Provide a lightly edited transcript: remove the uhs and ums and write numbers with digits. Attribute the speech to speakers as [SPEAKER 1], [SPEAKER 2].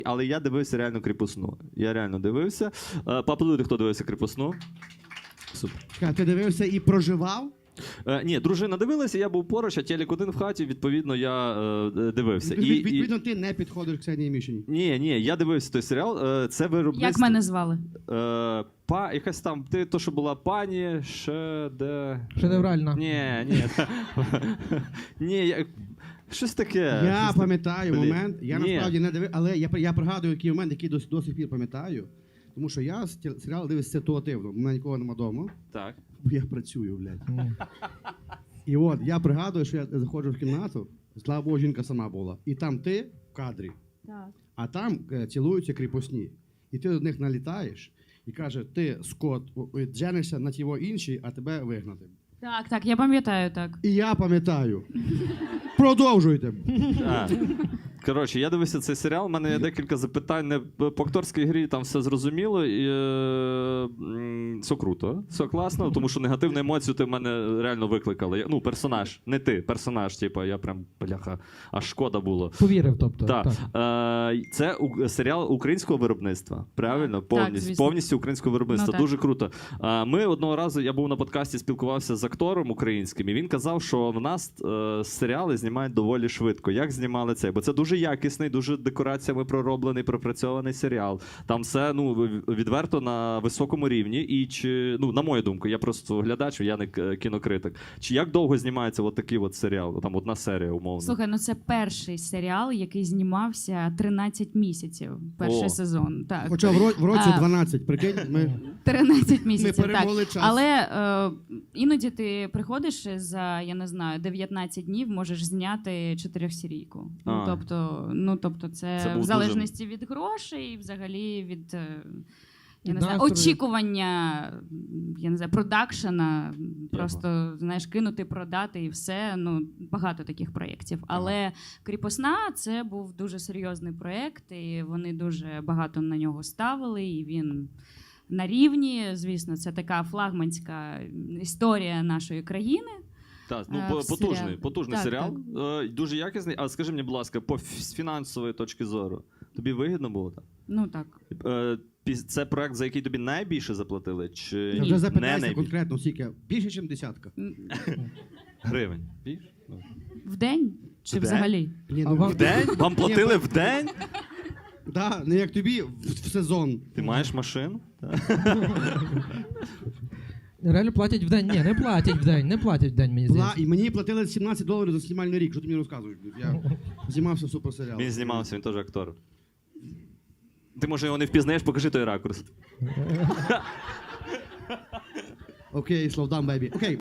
[SPEAKER 1] Але я дивився реально «Кріпосну». Я реально дивився. Поаплодуйте, хто дивився «Кріпосну». Супер.
[SPEAKER 2] Чекай, ти дивився і проживав?
[SPEAKER 1] Ні, дружина дивилася, я був поруч, а телек один в хаті, відповідно, я дивився.
[SPEAKER 2] Відповідно, ти не підходиш к Ксенії Мішині.
[SPEAKER 1] Ні, я дивився той серіал. Це виробництво...
[SPEAKER 3] Як мене звали?
[SPEAKER 1] Якась там, ти то, що була пані,
[SPEAKER 4] Шедевральна.
[SPEAKER 1] Ні, щось таке.
[SPEAKER 2] Я пам'ятаю момент, я
[SPEAKER 1] Ні.
[SPEAKER 2] насправді не дивив, але я пригадую який момент, який до сих пір пам'ятаю. Тому що я серіал дивився ситуативно, у мене нікого нема вдома,
[SPEAKER 1] Так.
[SPEAKER 2] бо я працюю, блядь. І от, я пригадую, що я заходжу в кімнату, слава Богу, жінка сама була. І там ти в кадрі,
[SPEAKER 3] Так.
[SPEAKER 2] а там цілуються кріпосні. І ти до них налітаєш і каже, ти, Скот, женишся на тіво іншій, а тебе вигнати.
[SPEAKER 3] Так, я пам'ятаю, так.
[SPEAKER 2] І я пам'ятаю. Продовжуйте.
[SPEAKER 1] Коротше, я дивився цей серіал, у мене є декілька запитань. Не по акторській грі там все зрозуміло, і все круто, все класно, тому що негативну емоцію ти в мене реально викликали. Ну, персонаж, не ти, персонаж, типу, я прям, бляха, аж шкода було.
[SPEAKER 4] Повірив, тобто.
[SPEAKER 1] Так.
[SPEAKER 4] Так.
[SPEAKER 1] Це серіал українського виробництва, правильно?
[SPEAKER 3] звісно.
[SPEAKER 1] Повністю українського виробництва,
[SPEAKER 3] Ну,
[SPEAKER 1] дуже круто. Ми одного разу, я був на подкасті, спілкувався з актором українським, і він казав, що в нас серіали знімають доволі швидко. Як знімали це? Бо це дуже якісний, дуже декораціями пророблений, пропрацьований серіал. Там все відверто на високому рівні. І на мою думку, я просто глядач, я не кінокритик. Чи як довго знімається такий серіал? Там одна серія, умовно.
[SPEAKER 3] Слухай, це перший серіал, який знімався 13 місяців. Перший сезон. Так.
[SPEAKER 2] Хоча в році 12, прикинь, ми
[SPEAKER 3] 13 місяців,
[SPEAKER 2] перемогли
[SPEAKER 3] так.
[SPEAKER 2] час.
[SPEAKER 3] Але іноді ти приходиш за, я не знаю, 19 днів, можеш зняти 4-серійку. Тобто це
[SPEAKER 1] був
[SPEAKER 3] в залежності від грошей, взагалі від я не знаю,
[SPEAKER 4] настрою.
[SPEAKER 3] очікування, я не знаю, продакшена, просто, знаєш, кинути, продати і все. Багато таких проєктів. Але «Кріпосна» – це був дуже серйозний проєкт, і вони дуже багато на нього ставили, і він на рівні, звісно, це така флагманська історія нашої країни.
[SPEAKER 1] Так, потужний
[SPEAKER 3] Так,
[SPEAKER 1] серіал, дуже якісний. А скажи мені, будь ласка, з фінансової точки зору, тобі вигідно було так?
[SPEAKER 3] Так.
[SPEAKER 1] Це проект, за який тобі найбільше заплатили? Чи
[SPEAKER 2] Я вже
[SPEAKER 1] не
[SPEAKER 2] запитайся
[SPEAKER 1] найбільше?
[SPEAKER 2] конкретно, скільки? Більше, ніж десятка.
[SPEAKER 1] Гривень. Більше?
[SPEAKER 3] В день? Чи
[SPEAKER 1] В день?
[SPEAKER 3] взагалі?
[SPEAKER 2] Ні,
[SPEAKER 4] А вам-
[SPEAKER 1] В день? Вам платили в день?
[SPEAKER 2] Да, не як тобі в сезон.
[SPEAKER 1] Ти маєш машину?
[SPEAKER 4] Реально платять в день? Ні, не платять в день, мені здається.
[SPEAKER 2] І мені платили $17 за знімальний рік. Що ти мені розказуєш? Я знімався в суперсеріалі.
[SPEAKER 1] Він знімався, він теж актор. Ти, може, його не впізнаєш, покажи той ракурс.
[SPEAKER 2] Окей, slow down, baby. Окей.